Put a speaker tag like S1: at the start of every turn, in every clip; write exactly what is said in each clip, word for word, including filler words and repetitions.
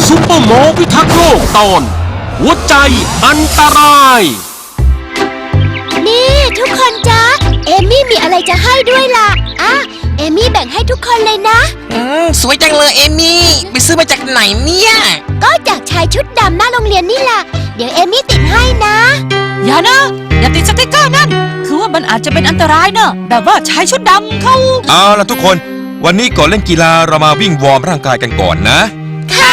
S1: ซุปเปอร์โมพิทักษ์โลกตอนหัวใจอันตราย
S2: นี่ทุกคนจ๊ะเอมี่มีอะไรจะให้ด้วยล่ะอ่ะเอมี่แบ่งให้ทุกคนเลยนะ
S3: อืมสวยจังเลยเอมี่ไปซื้อมาจากไหนเนี่ย
S2: ก็จากชายชุดดำหน้าโรงเรียนนี่แหละเดี๋ยวเอมี่ติดให้นะ
S4: อย่านะอย่าติดสติ๊กเกอร์นั่นคือว่ามันอาจจะเป็นอันตรายเนอะแบบว่าชายชุดดำเขา
S5: เอาล่ะทุกคนวันนี้ก่อนเล่นกีฬาเรามาวิ่งวอร์มร่างกายกันก่อนนะ
S2: ค่ะ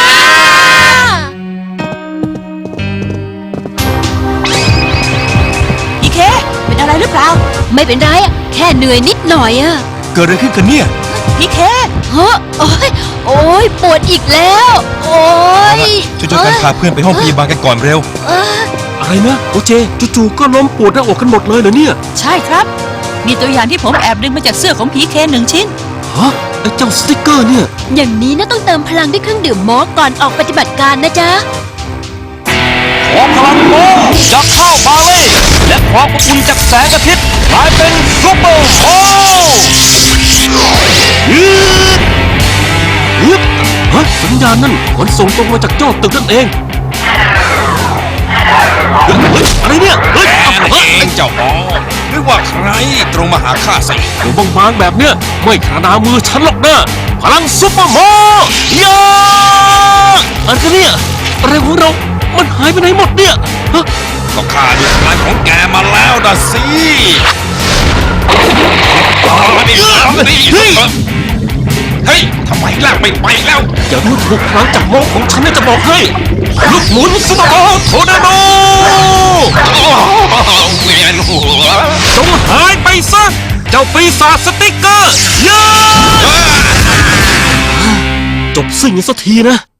S4: อีเคเป็นอะไรหรือเปล่า
S2: ไม่เป็นไรอะแค่เหนื่อยนิดหน่อยอะ
S5: เกิดอะไรขึ้นกันเนี่ย
S4: พี่เค
S2: เฮ้อโอ้ยโอ้ยปวดอีกแล้วโอ้ย
S5: ช่วยๆกันพาเพื่อนไปห้องพยาบาลกันก่อนเร็ว
S1: อะไรนะโอเจจู่ๆก็ล้มปวดหน้าอกกันหมดเลยเหรอเนี่ย
S4: ใช่ครับมีตัวอย่างที่ผมแอบดึงมาจากเสื้อของพีเคหนึ่งชิ้น
S1: ฮะไอ้เจ้าสติ๊กเกอร์เนี่ย
S2: อย่างนี้นะต้องเติมพลังด้วยเครื่องดื่มมอสก่อนออกปฏิบัติการนะจ๊ะ
S1: ขอพลังโมจากข้าวบาเล่และความอบอุ่นจากแสงอาทิตย์กลายเป็นซุปเปอร์โมฮึบฮึบฮะสัญญาณนั่นขนส่งตรงมาจากยอดตึกนั่นเองเฮ้ยอะไรเนี่ยเฮ้ย
S5: เองเจ้าหมอหรือว่าใครตรงมาหาข้าสิ
S1: ตัวบางๆแบบเนี้ยไม่ขนาดมือฉันหรอกนะพลังซุปเปอร์โมยาอันกันเนี่ยอะไรของเรามันหายไปไหนหมดเนี่ยฮะ
S5: ก็ข้าดูพลังของแกมาแล้วนะสิเฮ้ยทำไมลากไม่ไปแล้ว
S1: อย่าดูถูกพลังจากโมของฉันนะจะบอกให้ลูกหมุนซุปเปอร์โมโทนาโด
S5: เวียนหัว
S1: จงหายไปซะเจ้าปีศาจสติ๊กเกอร์ยาจบสิ่งนี้สักทีนะ